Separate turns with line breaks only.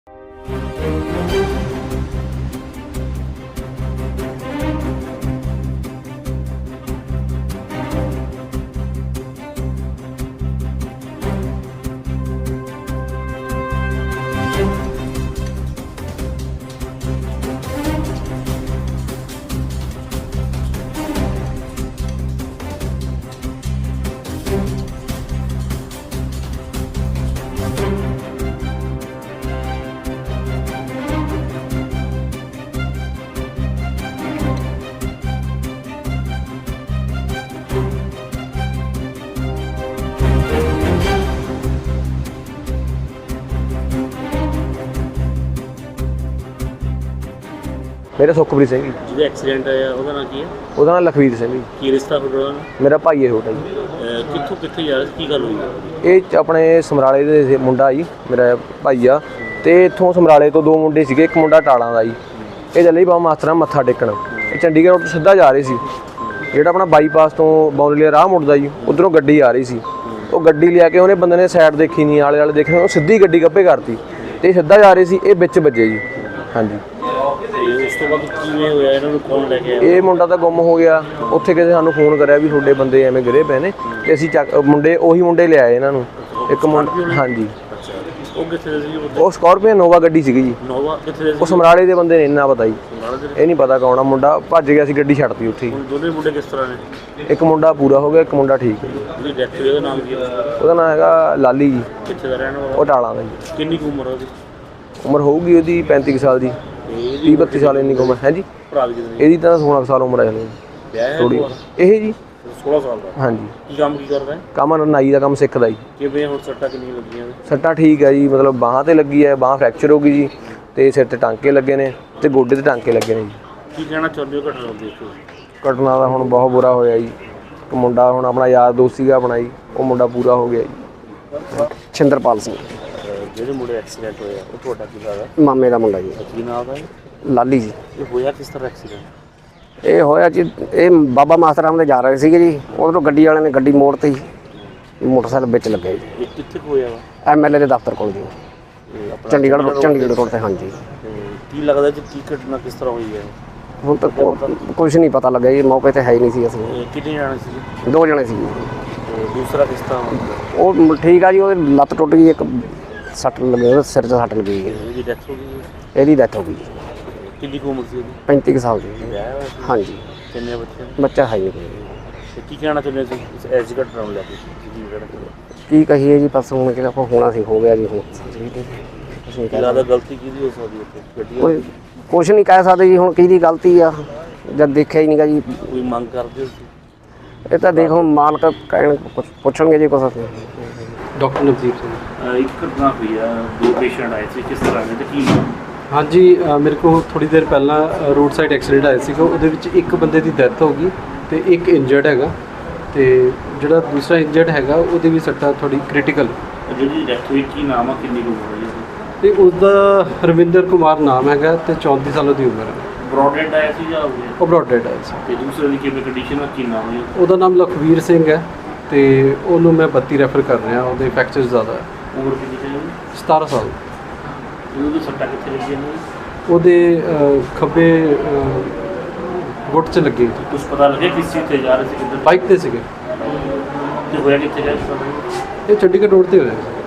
मेरा सुखप्रीत सिंह जी।
ਜਿਹਦਾ ਐਕਸੀਡੈਂਟ ਹੋਇਆ ਉਹਦਾ ਨਾਂ ਕੀ ਹੈ?
ਉਹਦਾ ਨਾਮ ਲਖਵੀਰ ਸਿੰਘ ਜੀ।
ਕੀ ਰਿਸ਼ਤਾ ਤੁਹਾਡਾ ਨਾਲ?
ਮੇਰਾ ਭਾਈ ਹੈ ਛੋਟਾ ਜੀ।
ਕਿੱਥੋਂ ਕਿੱਥੇ ਜਾ ਰਿਹਾ ਸੀ, ਕੀ ਗੱਲ ਹੋਈ?
ਇਹ ਆਪਣੇ ਸਮਰਾਲੇ ਦੇ ਮੁੰਡਾ ਜੀ, ਮੇਰਾ ਭਾਈ ਆ। ਤੇ ਇੱਥੋਂ ਸਮਰਾਲੇ ਤੋਂ ਦੋ ਮੁੰਡੇ ਸੀਗੇ, ਇੱਕ ਮੁੰਡਾ ਟਾਲਾਂ ਦਾ ਜੀ। ਇਹ ਚੱਲੇ ਬਾਬਾ ਮਾਸਟਰਾਂ ਮੱਥਾ ਟੇਕਣ। ਇਹ ਚੰਡੀਗੜ੍ਹ ਤੋਂ ਸਿੱਧਾ ਜਾ ਰਹੇ ਸੀ, ਜਿਹੜਾ ਆਪਣਾ ਬਾਈਪਾਸ ਤੋਂ ਬੌਂਦਲੀ ਰਾਹ ਮੁੜਦਾ ਜੀ, ਉੱਧਰੋਂ ਗੱਡੀ ਆ ਰਹੀ ਸੀ। ਉਹ ਗੱਡੀ ਲਿਆ ਕੇ ਉਹਨੇ ਬੰਦੇ ਨੇ ਸਾਈਡ ਦੇਖੀ ਨਹੀਂ, ਆਲੇ ਵਾਲੇ ਦੇਖੇ, ਉਹ ਸਿੱਧੀ ਗੱਡੀ ਗੱਭੇ ਕਰਤੀ ਤੇ ਸਿੱਧਾ ਜਾ ਰਹੇ ਸੀ, ਇਹ ਵਿੱਚ ਵੱਜੇ ਜੀ। ਹਾਂਜੀ।
ਉਸ ਤੋਂ ਬਾਅਦ ਕਿਵੇਂ ਹੋਇਆ, ਇਹਨਾਂ ਨੂੰ ਕੌਣ ਲੈ ਕੇ ਆਇਆ?
ਇਹ ਮੁੰਡਾ ਤਾਂ ਗੁੰਮ ਹੋ ਗਿਆ। ਉੱਥੇ ਕਿਸੇ ਸਾਨੂੰ ਫੋਨ ਕਰਿਆ ਵੀ ਤੁਹਾਡੇ ਬੰਦੇ ਐਵੇਂ ਗਿਰੇ ਪਏ ਨੇ, ਤੇ ਅਸੀਂ ਮੁੰਡੇ ਉਹੀ ਮੁੰਡੇ ਲਿਆਏ ਇਹਨਾਂ ਨੂੰ। ਇੱਕ ਮੁੰਡਾ, ਹਾਂਜੀ।
ਉਹ ਕਿੱਥੇ ਸੀ?
ਉਹ ਸਕਾਰਪੀਓ ਨੋਵਾ ਗੱਡੀ ਸੀਗੀ ਜੀ।
ਨੋਵਾ ਕਿੱਥੇ ਸੀ?
ਉਹ ਸਮਰਾਲੇ ਦੇ ਬੰਦੇ ਨੇ, ਇੰਨਾ ਪਤਾ ਜੀ। ਇਹ ਨਹੀਂ ਪਤਾ ਕੌਣ ਆ ਮੁੰਡਾ, ਭੱਜ ਗਿਆ ਸੀ, ਗੱਡੀ ਛੱਡਤੀ ਉੱਥੇ ਹੀ।
ਦੋਨੇ ਮੁੰਡੇ ਕਿਸ ਤਰ੍ਹਾਂ ਨੇ?
ਇੱਕ ਮੁੰਡਾ ਪੂਰਾ ਹੋ ਗਿਆ, ਇੱਕ ਮੁੰਡਾ ਠੀਕ ਹੈ ਜੀ।
ਉਹਦੀ ਡੈਥ ਹੋਈ, ਉਹਦਾ ਨਾਮ ਕੀ ਹੈ?
ਉਹਦਾ ਨਾਮ ਹੈਗਾ ਲਾਲੀ ਜੀ।
ਕਿੱਥੇ ਦਾ ਰਹਿਣ ਵਾਲਾ?
ਉਹ ਟਾਲਾਂ ਦਾ ਜੀ।
ਕਿੰਨੀ ਕੁ ਉਮਰ ਉਹਦੀ?
ਉਮਰ ਹੋਊਗੀ ਉਹਦੀ 35 ਸਾਲ ਦੀ, 30-32 ਸਾਲ ਇੰਨੀ ਉਮਰ ਹੈ ਜੀ।
ਭਰਾ ਦੀ ਕਿੰਨੀ?
ਇਹਦੀ ਤਾਂ 16 ਸਾਲ ਉਮਰ ਹੈ ਹਲੇ। ਥੋੜੀ ਇਹ ਜੀ
16 ਸਾਲ ਦਾ।
ਹਾਂਜੀ।
ਕੀ ਕੰਮ ਕੀ ਕਰਦਾ ਹੈ?
ਕੰਮ ਨਾਈ ਦਾ ਕੰਮ ਸਿੱਖਦਾ ਜੀ।
ਕਿਵੇਂ ਹੁਣ ਸੱਟਾਂ ਕਿੰਨੀਆਂ ਲੱਗੀਆਂ?
ਸੱਟਾਂ ਠੀਕ ਹੈ ਜੀ, ਮਤਲਬ ਬਾਹਾਂ ਤੇ ਲੱਗੀ ਹੈ, ਬਾਹਾਂ ਫ੍ਰੈਕਚਰ ਹੋ ਗਈ ਜੀ, ਤੇ ਸਿਰ ਤੇ ਟਾਂਕੇ ਲੱਗੇ ਨੇ, ਤੇ ਗੋਡੇ ਤੇ ਟਾਂਕੇ ਲੱਗੇ ਨੇ ਜੀ।
ਕੀ ਕਹਿਣਾ ਚਾਹੁੰਦੇ ਹੋ ਘਟਨਾ ਨੂੰ ਦੇਖ ਕੇ?
ਘਟਨਾ ਦਾ ਹੁਣ ਬਹੁਤ ਬੁਰਾ ਹੋਇਆ ਜੀ। ਇੱਕ ਮੁੰਡਾ ਹੁਣ ਆਪਣਾ ਯਾਰ ਦੋਸਤ ਸੀਗਾ ਆਪਣਾ ਜੀ, ਉਹ ਮੁੰਡਾ ਪੂਰਾ ਹੋ ਗਿਆ ਜੀ। ਛਿੰਦਰਪਾਲ ਸਿੰਘ।
ਜਿਹੜੇ ਮੁੰਡੇ ਐਕਸੀਡੈਂਟ ਹੋਇਆ ਉਹ ਤੁਹਾਡਾ ਕੀ ਲੱਗਦਾ?
ਮਾਮੇ ਦਾ ਮੁੰਡਾ ਜੀ।
ਕੀ ਨਾਮ ਦਾ?
ਲਾਲੀ ਜੀ।
ਇਹ ਹੋਇਆ ਕਿਸ ਤਰ੍ਹਾਂ ਐਕਸੀਡੈਂਟ?
ਇਹ ਹੋਇਆ ਜੀ, ਇਹ ਬਾਬਾ ਮਾਸਟਰਾਂ ਦੇ ਜਾ ਰਹੇ ਸੀਗੇ ਜੀ, ਉਧਰੋਂ ਗੱਡੀ ਵਾਲਿਆਂ ਨੇ ਗੱਡੀ ਮੋੜਤੀ, ਮੋਟਰਸਾਈਕਲ ਵਿੱਚ ਲੱਗਿਆ ਜੀ।
ਇਹ ਕਿੱਥੇ ਹੋਇਆ ਵਾ?
ਐਮਐਲਏ ਦੇ ਦਫ਼ਤਰ ਕੋਲ ਜੀ, ਚੰਡੀਗੜ੍ਹ ਰੋਡ ਤੇ। ਹਾਂਜੀ।
ਕੀ ਲੱਗਦਾ ਜੀ ਕੀ ਘਟਨਾ ਕਿਸ ਤਰ੍ਹਾਂ ਹੋਈ ਹੈ?
ਹੁਣ ਤੱਕ ਕੁਝ ਨਹੀਂ ਪਤਾ ਲੱਗਿਆ ਜੀ, ਮੌਕੇ ਤੇ ਹੈ ਹੀ ਨਹੀਂ ਸੀ ਅਸੀਂ।
ਕਿੰਨੇ ਜਾਣੇ ਸੀ?
2 ਜਣੇ ਸੀ।
ਦੂਸਰਾ ਕਿਸ ਤਰ੍ਹਾਂ?
ਉਹ ਠੀਕ ਆ ਜੀ, ਉਹਦੀ ਲੱਤ ਟੁੱਟ ਗਈ, ਇੱਕ ਸੱਟ ਲੱਗੀ, ਉਹਦੇ ਸਿਰ 'ਚ ਸੱਟ ਲੱਗੀ।
ਇਹਦੀ ਡੈਥ ਹੋ ਗਈ?
ਇਹਦੀ ਡੈਥ ਹੋ ਗਈ।
ਕਿੰਨੀ ਕੁ ਉਮਰ ਸੀ ਇਹਦੀ?
35 ਸਾਲ ਦੀ। ਹਾਂਜੀ।
ਕਿੰਨੇ ਬੱਚੇ?
ਬੱਚਾ ਹੈ ਨਹੀਂ ਕੋਈ।
ਤੇ ਕੀ ਕਹਿਣਾ ਚਾਹੁੰਦੇ ਸੀ ਇਸ ਘਟਨਾ ਨੂੰ ਲੈ ਕੇ?
ਕੀ ਕਹੀਏ ਜੀ, ਬਸ ਹੁਣ ਕਿ ਆਪਾਂ ਹੋਣਾ ਸੀ, ਹੋ ਗਿਆ ਜੀ। ਹੁਣ
ਜ਼ਿਆਦਾ ਗਲਤੀ ਕਿਹਦੀ ਹੋ ਸਕਦੀ ਹੈ?
ਕੋਈ ਕੁਛ ਨਹੀਂ ਕਹਿ ਸਕਦੇ ਜੀ, ਹੁਣ ਕਿਹਦੀ ਗਲਤੀ ਆ, ਜਦ ਦੇਖਿਆ ਹੀ ਨਹੀਂਗਾ ਜੀ।
ਕੋਈ ਮੰਗ ਕਰਦੇ ਹੋ?
ਇਹ ਤਾਂ ਦੇਖੋ ਮਾਲਕ ਕਹਿਣ, ਕੁਛ ਪੁੱਛਣਗੇ ਜੀ ਕੁਛ।
ਡਾਕਟਰ ਨਵਦੀਪ ਸਿੰਘ।
ਇੱਕ ਘਟਨਾ ਹੋਈ ਆ, 2 ਪੇਸ਼ੈਂਟ ਆਏ ਸੀ, ਕਿਸ ਤਰ੍ਹਾਂ ਦੇ ਤੇ ਕੀ?
ਹਾਂਜੀ, ਮੇਰੇ ਕੋਲ ਥੋੜੀ ਦੇਰ ਪਹਿਲਾਂ ਰੋਡ ਸਾਈਡ ਐਕਸੀਡੈਂਟ ਆਇਆ ਸੀਗਾ, ਉਹਦੇ ਵਿੱਚ ਇੱਕ ਬੰਦੇ ਦੀ ਡੈਥ ਹੋ ਗਈ ਤੇ ਇੱਕ ਇੰਜਰਡ ਹੈਗਾ, ਤੇ ਜਿਹੜਾ ਦੂਸਰਾ ਇੰਜਰਡ ਹੈਗਾ ਉਹਦੇ ਵੀ ਸੱਟਾਂ ਥੋੜੀ ਕ੍ਰਿਟੀਕਲ।
ਜਿਹਦੀ ਡੈਥ ਹੋਈ ਕੀ ਨਾਮ ਆ, ਕਿੰਨੀ ਕੁ ਉਮਰ ਹੋਈ?
ਤੇ ਉਸਦਾ ਰਵਿੰਦਰ ਕੁਮਾਰ ਨਾਮ ਹੈਗਾ ਤੇ 34 ਸਾਲ ਦੀ ਉਮਰ ਹੈ।
ਬ੍ਰੌਡਹੈਡ ਆਇਆ ਸੀ ਜਾਂ
ਉਹ ਬ੍ਰੌਡਹੈਡ ਆਇਆ ਸੀ।
ਤੇ ਦੂਸਰੇ ਦੀ ਕਿਵੇਂ ਕੰਡੀਸ਼ਨ ਆ, ਕੀ ਨਾਮ ਹੈ?
ਉਹਦਾ ਨਾਮ ਲਖਵੀਰ ਸਿੰਘ ਹੈ ਤੇ ਉਹਨੂੰ ਮੈਂ 32 ਰੈਫਰ ਕਰ ਰਿਹਾ, ਉਹਦੇ ਫ੍ਰੈਕਚਰ ਜ਼ਿਆਦਾ ਹੈ।
ਉਮਰ ਕਿੰਨੀ ਹੈ?
17 ਸਾਲ।
ਉਹਦੀ ਸੱਟਾਂ ਕਿੱਥੇ ਲੱਗੀਆਂ ਨੇ?
ਉਹਦੇ ਖੱਬੇ ਗੁੱਟ 'ਚ ਲੱਗੀ।
ਕੁਝ ਪਤਾ ਲੱਗਿਆ ਕਿਸ ਚੀਜ਼ ਤੇ ਜਾ ਰਹੇ ਸੀ, ਕਿੱਧਰ?
ਬਾਈਕ ਤੇ ਸੀਗੇ।
ਤੇ ਹੋਇਆ ਕਿੱਥੇ ਗਿਆ?
ਇਹ ਚੰਡੀਗੜ੍ਹ ਰੋਡ ਤੇ ਹੋਇਆ।